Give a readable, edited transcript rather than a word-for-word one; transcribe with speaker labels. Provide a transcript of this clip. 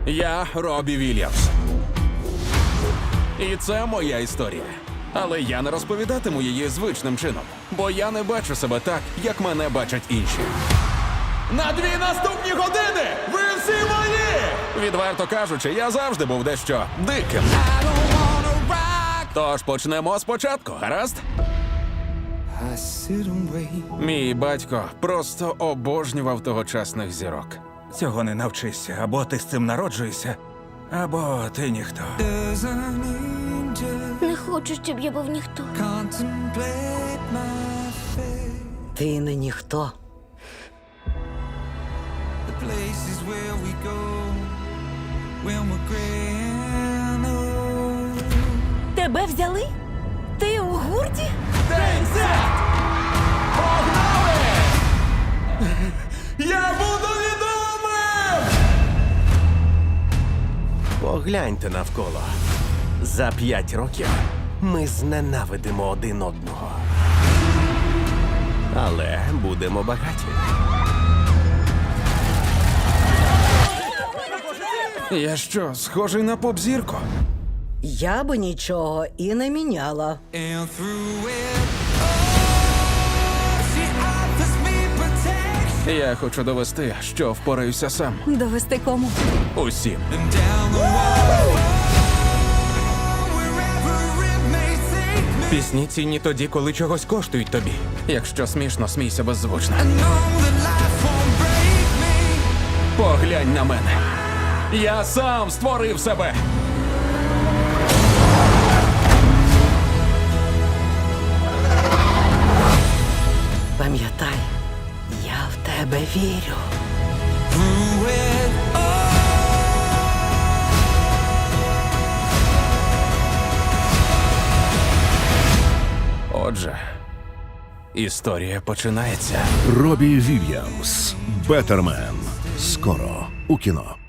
Speaker 1: Я Робі Вільямс. І це моя історія. Але я не розповідатиму її звичним чином, бо я не бачу себе так, як мене бачать інші. На 2 наступні години ви всі мої! Відверто кажучи, я завжди був дещо диким. Тож почнемо спочатку, гаразд? Мій батько просто обожнював тогочасних зірок.
Speaker 2: Цього не навчишся. Або ти з цим народжуєшся, або ти ніхто.
Speaker 3: Не хочу, щоб я був ніхто.
Speaker 4: Ти не ніхто.
Speaker 5: Тебе взяли? Ти у гурті?
Speaker 1: Погнали! Я буду відомим!
Speaker 6: Погляньте навколо. За 5 років ми зненавидимо один одного. Але будемо багаті.
Speaker 1: Я що, схожий на поп-зірку?
Speaker 4: Я би нічого і не міняла.
Speaker 1: Я хочу довести, що впораюся сам.
Speaker 5: Довести кому?
Speaker 1: Усім.
Speaker 2: Пісні цінні тоді, коли чогось коштують тобі.
Speaker 1: Якщо смішно, смійся беззвучно. Поглянь на мене. Я сам створив себе.
Speaker 4: Пам'ятай, я в тебе вірю.
Speaker 1: Отже, історія починається.
Speaker 7: Робі Вільямс. Беттермен. Скоро у кіно.